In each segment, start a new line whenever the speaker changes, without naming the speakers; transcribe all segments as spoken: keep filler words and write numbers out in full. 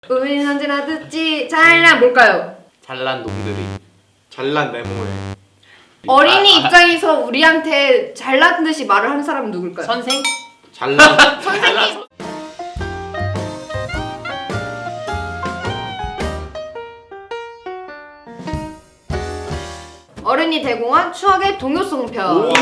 우린 언제나 듣지 잘난 뭘까요?
잘난 놈들이.
잘난 네모에.
어린이
아, 아,
입장에서 우리한테 잘난 듯이 말을 하는 사람은 누굴까요?
선생?
잘난.
선생님! 어른이 대공한 추억의 동요송편.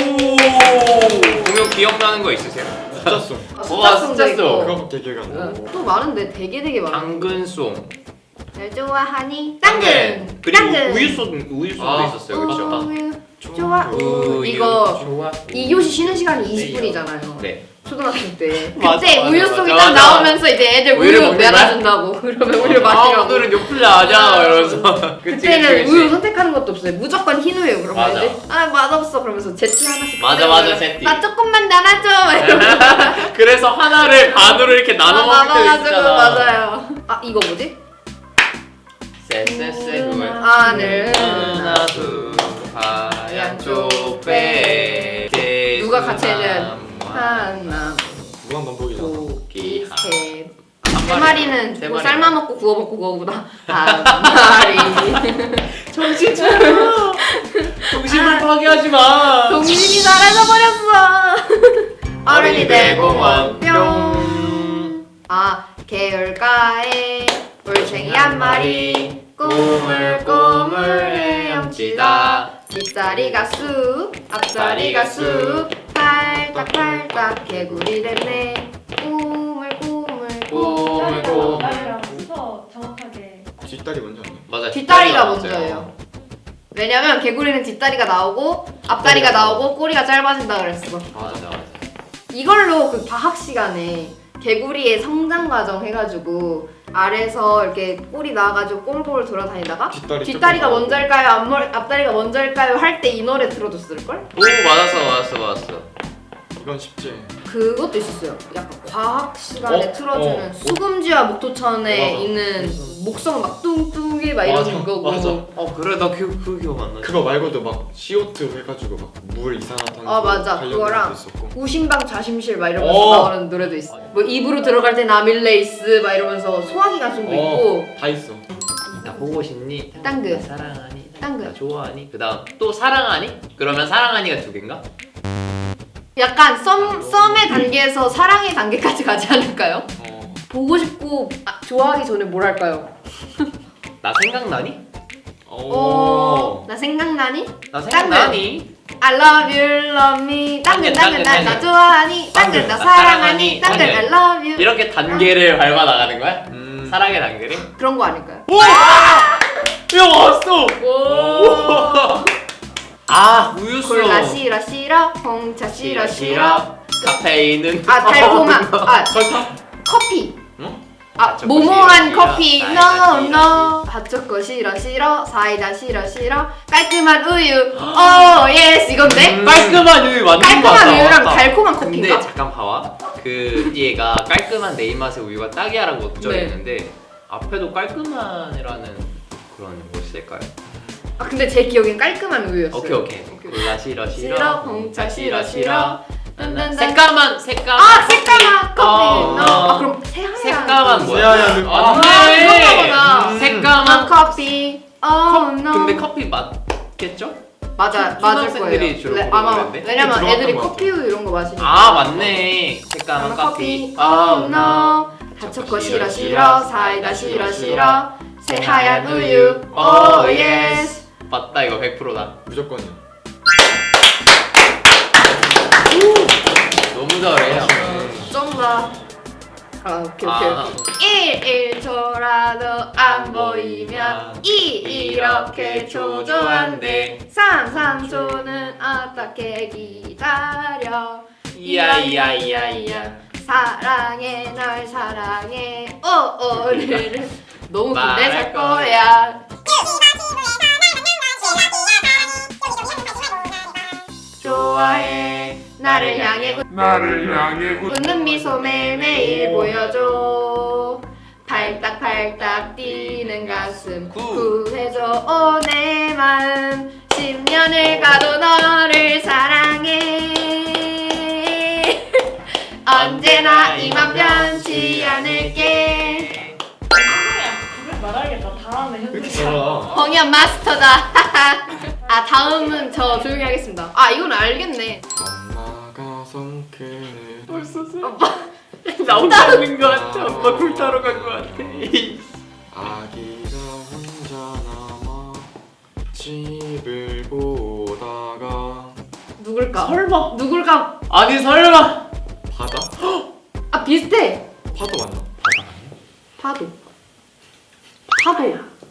동요 기억나는 거 있으세요?
숫자송.
와,
숫자송도
숫자송.
있고.
그거밖에 기억이 안 나.
응, 또 많은데 되게 되게 많아.
당근송.
날 좋아하니 당근!
그리고
당근!
우유송, 우유송도
아,
있었어요, 그렇죠?
우유 좋아.
우유
이거
좋아.
이 교시 쉬는 시간이 이십 분이잖아요.
네.
초등학교 때.
맞아,
그때
맞아,
우유
맞아,
속이
맞아.
딱 나오면서 이제 애들
우유를
우유
먹는
내놔준다고. 그러면 우유
아,
마시라고.
오늘은 요플레 하자 이러면서. 그치,
그때는
그치, 그치.
우유 선택하는 것도 없어요. 무조건 흰 우유. 그러면
맞아.
애들 아 맛없어. 그러면서 제티 하나씩.
맞아,
꺼내면
맞아, 제티.
나 조금만 나눠줘. 막 이러면서.
그래서 하나를 반으로 이렇게 나눠 먹을 때
나눠가지고
있잖아.
맞아요. 아 이거 뭐지?
쎄쎄쎄 그거야.
하늘
하나 둘 하얀 쪽배
누가 같이 해줘야 하나
무한 반복이잖아.
고기
한
셋.
한
세 마리는
세
뭐
마리.
삶아 먹고 구워 먹고 그거보다 한 마리.
정신 차려. 정신을 파괴하지 마.
동심이 사라져 버렸어. 어른이 대공원
뿅.
뿅. 아 개울가에 올챙이 한 마리 꼬물꼬물 헤엄치다. 뒷다리가 쑥 앞다리가 쑥 팔딱팔딱 개구리 됐네. 꼬물꼬물
꼬물, 꼬물.
말이라면서 정확하게
뒷다리 먼저 아니야?
맞아.
뒷다리가
맞아요.
먼저예요. 왜냐면 개구리는 뒷다리가 나오고 앞다리가 나오고 꼬리가 짧아진다 그랬어.
맞아 맞아.
이걸로 그 과학 시간에 개구리의 성장 과정 해가지고 아래서 이렇게 꼬리 나와가지고 꼼볼 돌아다니다가
뒷다리
뒷다리가
조금
먼저일까요? 앞머리, 앞다리가 먼저일까요? 할 때 이 노래 들어줬을걸?
오 맞았어 맞았어 맞았어.
이건 쉽지.
그것도 있었어요. 약간 과학 시간에
어?
틀어주는
어.
수금지와 목토천에
맞아.
있는
맞아.
목성 막 뚱뚱이 막
맞아,
이러는 거고.
맞아.
어 그래 나 그 그 기억 안 나.
그거 말고도 막 씨오투 해가지고 막 물 이산화탄소
아, 맞아.
관련된
그거랑
것도 있었고.
우심방 좌심실 막 이러면서
어.
나오는 노래도 있어. 뭐 입으로 들어갈 땐 아밀레이스 막 이러면서 소화기관총도 있고.
다 있어.
나 보고 싶니?
땅그.
사랑하니?
땅그.
나 좋아하니? 그다음 또 사랑하니? 그러면 사랑하니가 두 개인가?
약간 썸, 썸의 단계에서 사랑의 단계까지 가지 않을까요?
어.
보고 싶고 아, 좋아하기 전에 뭘 할까요?
나 생각나니?
어, 나 생각나니?
나 생각나니?
I love you, love me. 당근, 당근,
당근,
나, 나
당근.
좋아하니? 당근, 나
당근,
사랑하니? 당근,
당근.
I love you.
이렇게 단계를 밟아 나가는 거야?
음.
사랑의 단계를?
그런 거 아닐까요?
야 왔어!
오.
아 우유수.
콜라 싫어 싫어, 홍차 싫어 싫어.
카페인은
아 달콤한 아
설탕?
커피.
응?
아
핫초코
모모한
싫어,
커피
싫어.
no
사이다
no 핫초코 싫어 싫어 사이다 싫어 싫어 깔끔한 우유 오 예스 이건데
음. 깔끔한 우유 맞는 거 같아.
깔끔한 우유랑
맞다.
달콤한
근데
커피인가?
잠깐 봐봐. 그 얘가 깔끔한 내 입맛의 우유가 딱이야라고 적혀있는데
네.
앞에도 깔끔한이라는 그런 걸 쓸까요?
아 근데 제 기억엔 깔끔한 우유였어요.
오케이 오케이. 콜라 싫어 싫어.
싫어, 홍차 싫어 싫어. 딴딴딴.
색감한 색감.
아 색감한 커피
어,
no
어.
아 그럼 새하얀
색감한 뭐야?
새하얀
아,
아,
네.
그런가 보다.
음.
아
색감한
커피 oh no
근데 커피 맞겠죠?
맞아
초-
맞을
초등학생들이
거예요.
주로
네,
그런
아마
거였는데?
왜냐면
들어갔던
애들이
것
커피 우유 이런 거 마시니까.
아 맞네. 색감한 커피. 아
no 핫초코 싫어 싫어 사이다 싫어 싫어 새하얀 우유 오 예스
맞다 이거 백 퍼센트다.
무조건이야.
너무 잘해요.
쩐다. 아 오케이 오케이
아.
오케이 일, 일초라도 안 보이면 이 이렇게 초조한데 삼, 삼초는 어떻게 기다려
이야 이야 이야 이야.
사랑해 널 사랑해 오 오늘은 너무 근데
말할
살
거야.
거야 좋아해 나를 향해
나를 향해
웃는 미소 매일매일 보여줘 팔딱팔딱 뛰는 가슴
구.
구해줘 오 내 마음 십 년을 가도 너를 사랑해 언제나 이만 변치 않을게
잘하네
왜 이렇게
현준.
잘하?
펑이야 마스터다. 아 다음은 저 조용히 하겠습니다. 아 이건 알겠네.
엄마가 성큰을
벌써 세.
나
혼자 하는 거 같아. 엄마 굴타러 간 거 같아.
아기가 혼자 남아 집을 보다가
누굴까?
설마.
누굴까?
아니 설마.
바다?
아 비슷해.
파도 맞나?
파도. 파도.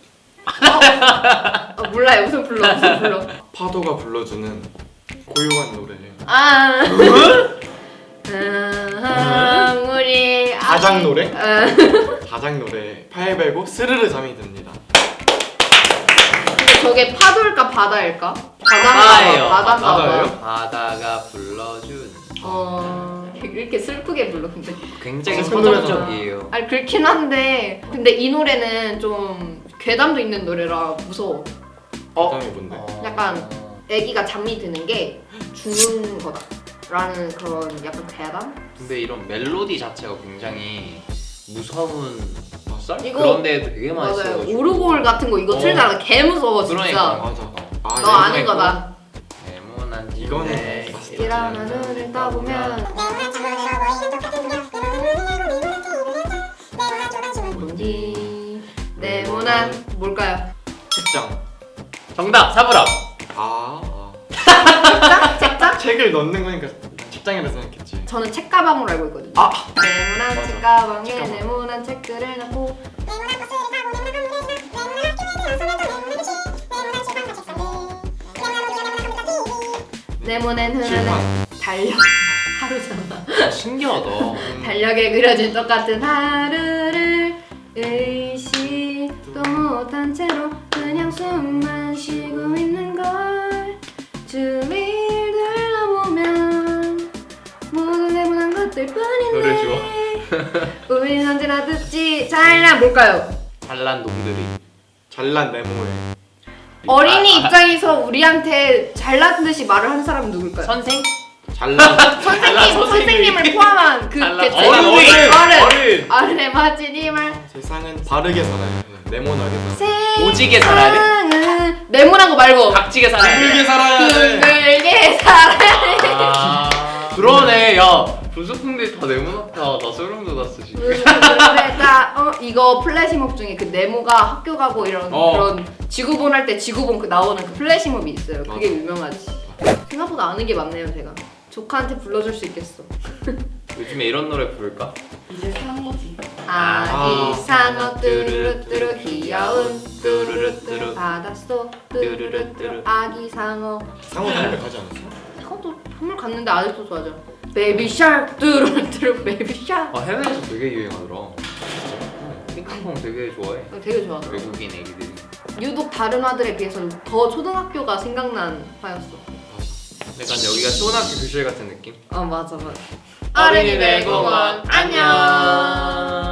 어? 어, 몰라요. 무슨 불러? 무슨 불러?
파도가 불러주는 고요한 노래예요.
아. 음, 우리
가장 노래?
음.
가장 노래 팔베고 스르르 잠이 듭니다.
근데 저게 파도일까 바다일까?
바다예요.
바다인가 봐.
바다예요?
바다가 불러준.
어 이렇게 슬프게 불러 근데.
굉장히
슬픈 노래잖아.
서정적이에요.
아니 그렇긴 한데 근데 이 노래는 좀 괴담도 있는 노래라 무서워.
그다음이 뭔데?
어.
약간 애기가 잠이 드는 게 죽는 거다라는 그런 약간 괴담?
근데 이런 멜로디 자체가 굉장히 무서운 썰?
이거-
그런 데도 되게 많이
맞아요.
써가지고.
오르골 같은 거 이거
어.
틀잖아. 개 무서워 진짜.
그러니까.
맞아. 아,
너
얘
아는
있고.
거다.
네모난
이거는
집에
맛있다.
이런 하늘을 떠보면 뭔지 네모난 뭘까요?
책장.
정답! 사부라!
아, 아.
책장? 책장?
책을 넣는 거니까 책장이라 생각했지.
저는 책가방으로 알고 있거든요.
아!
네모난
맞아.
책가방에
책가방.
네모난 책들을 넣고 네모난 흐르는
칠판.
달력 하루잖아.
아, 신기하다.
음,
달력에 그려진 똑같은 하루를 의식도 못한 채로 그냥 숨만 쉬고 있는 걸 주위를 둘러보면 모두 네모난 것들
노래
뿐인데 우린 언제나 듣지 잘난 뭘까요?
잘난 놈들이.
잘난 네모에.
어린이
아, 아,
입장에서 우리한테 잘난 듯이 말을 하는 사람은 누굴까요?
선생?
잘난
선생님,
잘난 선생님이.
선생님을 포함한 그
잘난
개체.
어른,
어른,
어른,
어른.
어른의 멋진 힘을
세상은 바르게 살아야 돼. 네모나게 살아.
오지게 살아야 돼?
세상은 네모난 거 말고
각지게 살아야 돼.
둥글게 살아야 돼.
둥글게 살아야 돼.
아, 그러네. 야, 부수풍들 다 네모나다. 나 소름 돋았어 지금.
그러니까 어 이거 플래시몹 중에 그 네모가 학교 가고 이런
어.
그런 지구본 할 때 지구본 그 나오는 그 플래시몹이 있어요. 그게
맞아.
유명하지. 생각보다 아는 게 많네요, 제가. 조카한테 불러줄 수 있겠어.
요즘에 이런 노래 부를까?
이제 사는 거지.
아기 상어 뚜루루뚜루 귀여운
뚜루루뚜루.
뚜루루뚜루 바닷속 뚜루루뚜루
뚜루루뚜루.
아기 상어.
상호 담배 가지 않았어?
상어도 선물 갔는데 아직도 좋아하죠. 베이비 샤크 뚜루루뚜루 베이비 샤크.
아, 해외에서 되게 유행하더라. 핑크퐁 되게 좋아해.
되게 좋아하더라고.
외국인 애기들이.
유독 다른 화들에 비해서 더 초등학교가 생각난 화였어.
약간 여기가 초등학교 교실 같은 느낌?
아 맞아 맞아.
어린이들 공원 안녕.